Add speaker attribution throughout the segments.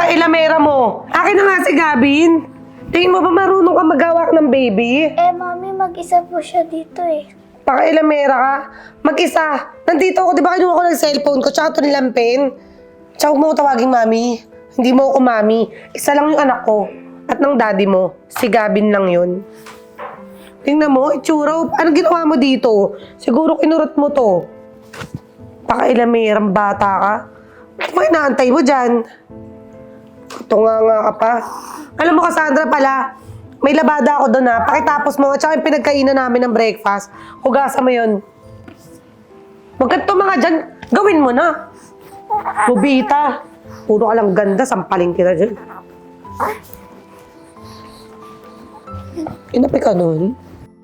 Speaker 1: Napaka-ilamera mo. Akin na nga si Gavin. Tingin mo ba marunong ka maghawak ng baby?
Speaker 2: Mami, mag-isa po siya dito eh.
Speaker 1: Napaka-ilamera ka. Mag-isa. Nandito ako, di ba kinuha ko ng cellphone ko, tsaka ito nilang pen. Tsaka huwag mo ko tawaging mami. Hindi mo ako mami. Isa lang yung anak ko. At ng daddy mo. Si Gavin lang yun. Tingnan mo, itsura. Ano ginawa mo dito? Siguro kinurot mo to. Napaka-ilamerang bata ka. Ano ba inaantay mo dyan? Tunganga ka pa. Alam mo, Cassandra pala, may labada ako doon ha. Pakitapos mo, at saka yung pinagkainan namin ng breakfast. Hugasan mo yun. Huwag ka tumaga dyan. Gawin mo na. Bubita. Puro ka lang ganda. Sampaling kita dyan. Inapi ka nun?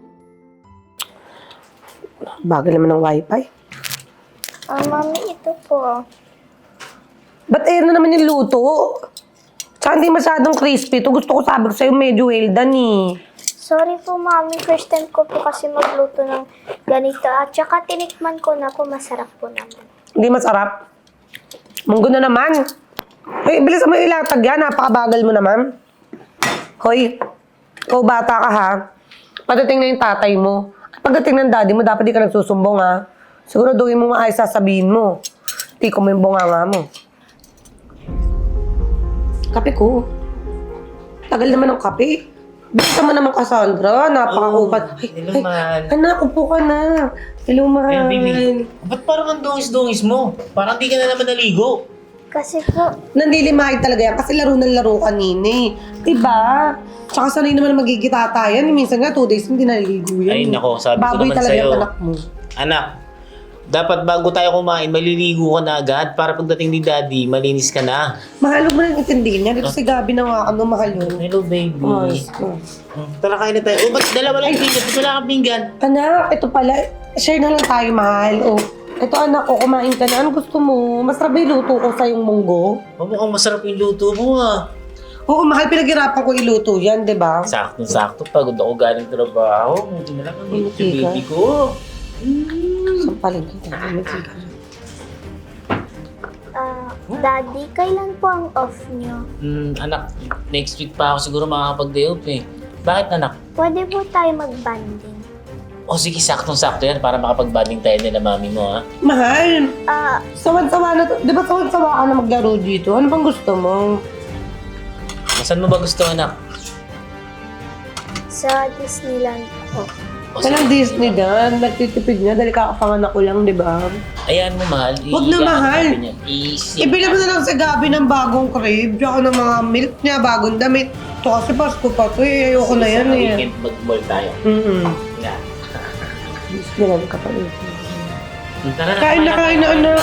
Speaker 1: Bagal naman ng wifi.
Speaker 2: Mami, ito po.
Speaker 1: Ba't air na naman yung luto? Tsaka hindi masyadong crispy. Ito gusto ko sabi ko sa'yo medyo well done eh.
Speaker 2: Sorry po, Mami. First time ko po kasi magluto ng ganito. At saka tinikman ko na po, masarap po naman.
Speaker 1: Hindi masarap. Munggo na naman. Hoy, bilis mo ilatag yan. Napakabagal mo naman. Hoy, ikaw bata ka ha. Patating na yung tatay mo. Pagdating ng daddy mo, dapat di ka nagsusumbong ha. Siguraduhin mo maayos sasabihin mo. Tiko mo yung bunganga mo. Kape ko. Tagal naman ng kape. Bisa mo naman, Cassandra. Napakakupat.
Speaker 3: Hello, mahal.
Speaker 1: Anak, upo ka na. Hello, mahal.
Speaker 3: Ayun, baby. Ba't parang ang dungis-dungis mo? Parang di ka na naman naligo.
Speaker 2: Kasi po,
Speaker 1: Nandilimahin talaga yan kasi laro ng laro kanina eh. Diba? Tsaka sanay naman magigita tayo. Minsan nga 2 days hindi naliligo yan.
Speaker 3: Ay, nako, sabi ko
Speaker 1: Baboy
Speaker 3: naman
Speaker 1: talaga
Speaker 3: sa'yo.
Speaker 1: yung anak mo.
Speaker 3: Anak, dapat bago tayo kumain, maliligo ka na agad para pagdating ni daddy, malinis ka na.
Speaker 1: Mahal mo nang intindihin yan. Ito si Gabi na nga ano, mahal yun.
Speaker 3: Hello, baby.
Speaker 1: Ayos ko.
Speaker 3: Tara, kain na tayo. Ba't dalawa lang yung pinggan? Ba't wala kang pinggan?
Speaker 1: Anak, ito pala. Share na lang tayo, mahal. Oh. Ito anak ko, kumain ka na. Ano gusto mo? Masarap ba yung luto ko sa yung munggo?
Speaker 3: Mukhang masarap yung luto mo ah.
Speaker 1: Oo, mahal. Pinaghirapan ko iluto yan, di ba?
Speaker 3: Sakto-sakto. Pagod ako galing trabaho. Hindi na lang ang
Speaker 1: Hindi ka.
Speaker 3: baby ko.
Speaker 1: Sampalin kita. Magsika.
Speaker 2: Daddy, kailan po ang off niyo?
Speaker 3: Anak, next week pa ako siguro makakapag-day off eh. Bakit anak?
Speaker 2: Pwede po tayo mag-banding.
Speaker 3: O sige, saktong-sakto yan para makapag-banding tayo nila mami mo ha.
Speaker 1: Mahal,
Speaker 2: Ah,
Speaker 1: sawan-sawa na to. Di ba sawan-sawa ka na maglaro dito? Ano bang gusto mo?
Speaker 3: Saan mo ba gusto anak?
Speaker 2: sa Disneyland po.
Speaker 3: O, sige.
Speaker 1: Walang Disney dyan. Nagtitipid niya dahil kakapanganak ko lang, di ba?
Speaker 3: Ayan mo mahal.
Speaker 1: Huwag na, mahal.
Speaker 3: Easy.
Speaker 1: Ibili mo na lang sa Gabi ng bagong crib, tsaka ng mga milk niya, bagong damit. Ito kasi Pasko pa to eh. Ayoko na yan
Speaker 3: Sa
Speaker 1: eh.
Speaker 3: weekend mag-mall tayo. Na.
Speaker 1: Disneyland ka pa rin.
Speaker 3: Tara na.
Speaker 1: Kain na, kain na, anak.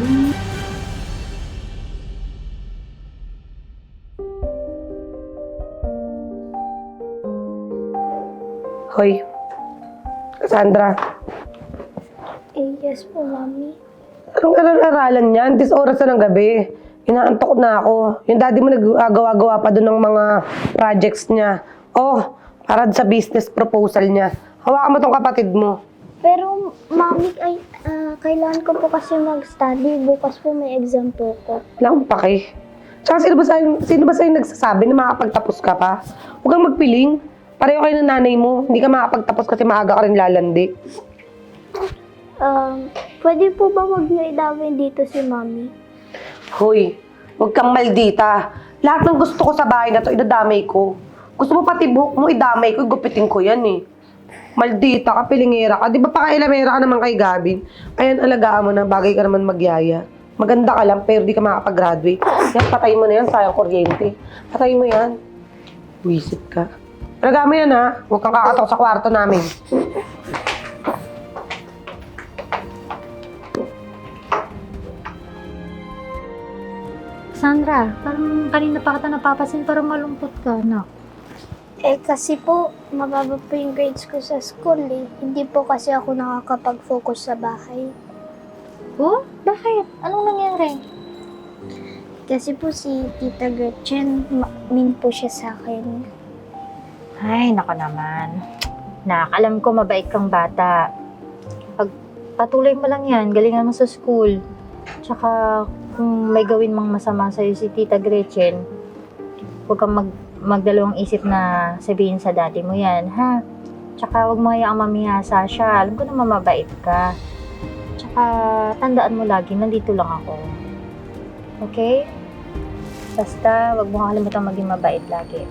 Speaker 1: Hoy, Cassandra.
Speaker 2: Yes po, Mami.
Speaker 1: Anong aralan niyan? 10 oras na ng gabi. Inaantok na ako. Yung daddy mo nag-gawa-gawa pa doon ng mga projects niya. Oh, para sa business proposal niya. Hawakan mo tong kapatid mo.
Speaker 2: Pero, Mami, kailangan ko po kasi mag-study. Bukas po may exam po ko.
Speaker 1: Wala akong pake. Tsaka sino ba sa'yo nagsasabi na makapagtapos ka pa? Huwag kang magpiling. Pareho kayo ng nanay mo. Hindi ka makapagtapos kasi maaga ka rin lalandi.
Speaker 2: Pwede po ba wag niyo idawin dito si Mami?
Speaker 1: Hoy, huwag kang maldita. Lahat ng gusto ko sa bahay na to, idadamay ko. Gusto mo pati buhok mo, idamay ko, gupitin ko yan eh. Maldita ka, pilingera ka. Di ba pakailamera ka naman kay Gabin? Ayan, alagaan mo na, bagay ka naman magyaya. Maganda ka lang, pero di ka makapag-graduate. Yan, patay mo na yan, sayang kuryente. Patay mo yan. Wisit ka. Alagaan mo yan ha, huwag kang kakatok sa kwarto namin.
Speaker 4: Sandra, parang kanina pa kita napapasin, parang malungkot ka, anak.
Speaker 2: Kasi po, mababa po yung grades ko sa school eh. Hindi po kasi ako nakakapag-focus sa bahay.
Speaker 4: Oh? Bakit? Anong nangyari?
Speaker 2: Kasi po si Tita Gretchen, mean po siya sa akin.
Speaker 4: Ay, nako naman. Nak, alam ko mabait kang bata. Patuloy mo lang yan, galingan mo sa school. Tsaka, kung may gawin mang masama sa'yo si Tita Gretchen, huwag kang magdalawang isip na sabihin sa daddy mo yan, ha? Tsaka huwag mo hayaang mamihasa siya. Alam ko naman mabait ka. Tsaka tandaan mo lagi, nandito lang ako. Okay? Basta, huwag mo kakalimutan maging mabait lagi.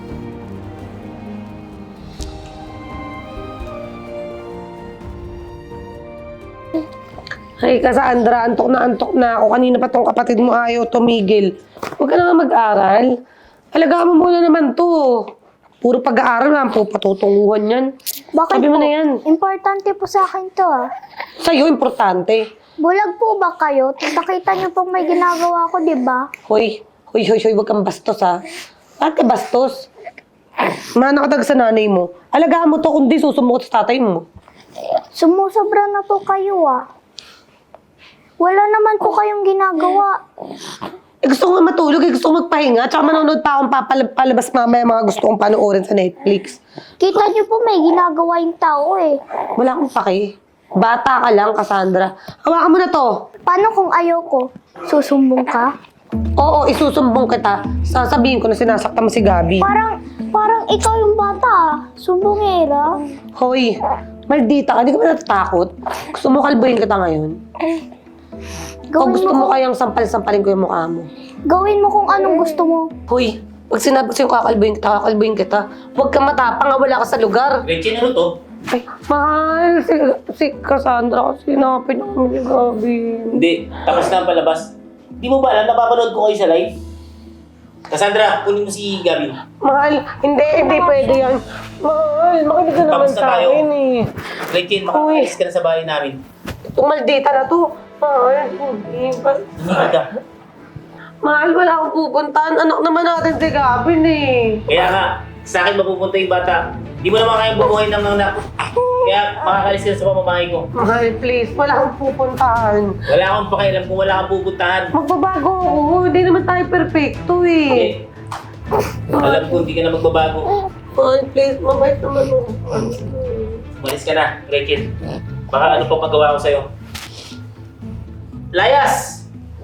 Speaker 1: Ay, Cassandra, antok na ako. Kanina pa tong kapatid mo ayaw tumigil. Huwag ka na nga mag-aral. Alagaan mo muna naman to. Puro pag-aaral lang po, patutunguhan yan.
Speaker 2: Bakit
Speaker 1: Sabi mo
Speaker 2: po?
Speaker 1: na yan.
Speaker 2: Importante po sa akin to ah.
Speaker 1: Sa'yo, importante.
Speaker 2: Bulag po ba kayo? Nakita niyo pong may ginagawa ko, di ba?
Speaker 1: Hoy, huwag kang bastos ha. Bakit ka bastos? Manakadag sa nanay mo. Alagaan mo to, kundi susumukot sa tatay mo.
Speaker 2: Sumusobra na po kayo ah. Wala naman po kayong ginagawa.
Speaker 1: Gusto ko nga matulog, gusto ko magpahinga. Tsaka manonood pa akong palabas mamaya mga gusto kong panoorin sa Netflix.
Speaker 2: Kita niyo po may ginagawa yung tao eh.
Speaker 1: Wala akong paki. Bata ka lang, Cassandra. Hawakan mo na to.
Speaker 2: Paano kung ayaw ko? Susumbong ka?
Speaker 1: Oo, isusumbong kita. Sasabihin ko na sinasaktan mo si Gabi.
Speaker 2: Parang ikaw yung bata ah. Sumbongera.
Speaker 1: Hoy, maldita ka. Di ka ba natatakot? Gusto mo kalbuhin kita ngayon? O gusto mo kayang sampal-sampalin ko yung mukha mo?
Speaker 2: Gawin mo kung anong gusto mo.
Speaker 1: Hoy, pag sinabi ko sa'yo kakalbuhin kita. Huwag kang matapang, wala ka sa lugar.
Speaker 3: Gretchen, ano to?
Speaker 1: Ay, mahal, si Cassandra kasi sinapin ako ni Gabi.
Speaker 3: Hindi, tapos na ang palabas. Di mo ba alam, napapanood ko kayo sa live? Cassandra, kunin mo si Gabi.
Speaker 1: Mahal, hindi pwede yan. Mahal, makinig ka naman
Speaker 3: Tapos na
Speaker 1: sa
Speaker 3: tayo.
Speaker 1: akin eh.
Speaker 3: Gretchen, makakaalis ka na sa bahay namin.
Speaker 1: Itong maldita na to. Mahal, hindi.
Speaker 3: Hindi ka.
Speaker 1: Mahal, wala akong pupuntahan. Anak naman natin si Gabin eh.
Speaker 3: Kaya nga, sa akin mapupunta yung bata. Di mo naman kayang bumuhay ng anak. Kaya makakalis ka na sa pamamahay ko.
Speaker 1: Mahal, please, wala akong pupuntahan.
Speaker 3: Wala akong pakialam kung wala kang pupuntahan.
Speaker 1: Magbabago ako. Hindi naman tayo perfecto eh.
Speaker 3: Alam ko, hindi ka na magbabago.
Speaker 1: Mahal, please, mabait naman ako.
Speaker 3: Umalis ka na, Gretchen. Baka ano pang magawa ko sa'yo. Layas!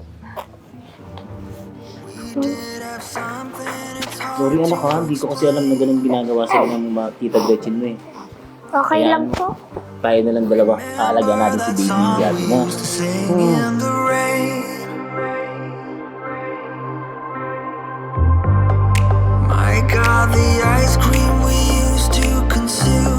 Speaker 3: Sorry anak ha, hindi ko kasi alam na ganun ginagawa sa ng mga tita Gretchen mo eh.
Speaker 2: Okay
Speaker 3: Kaya,
Speaker 2: lang po.
Speaker 3: Tayo na lang dalawa. Aalagaan natin si baby Gabi mo.
Speaker 5: My God, the ice cream we used to consume.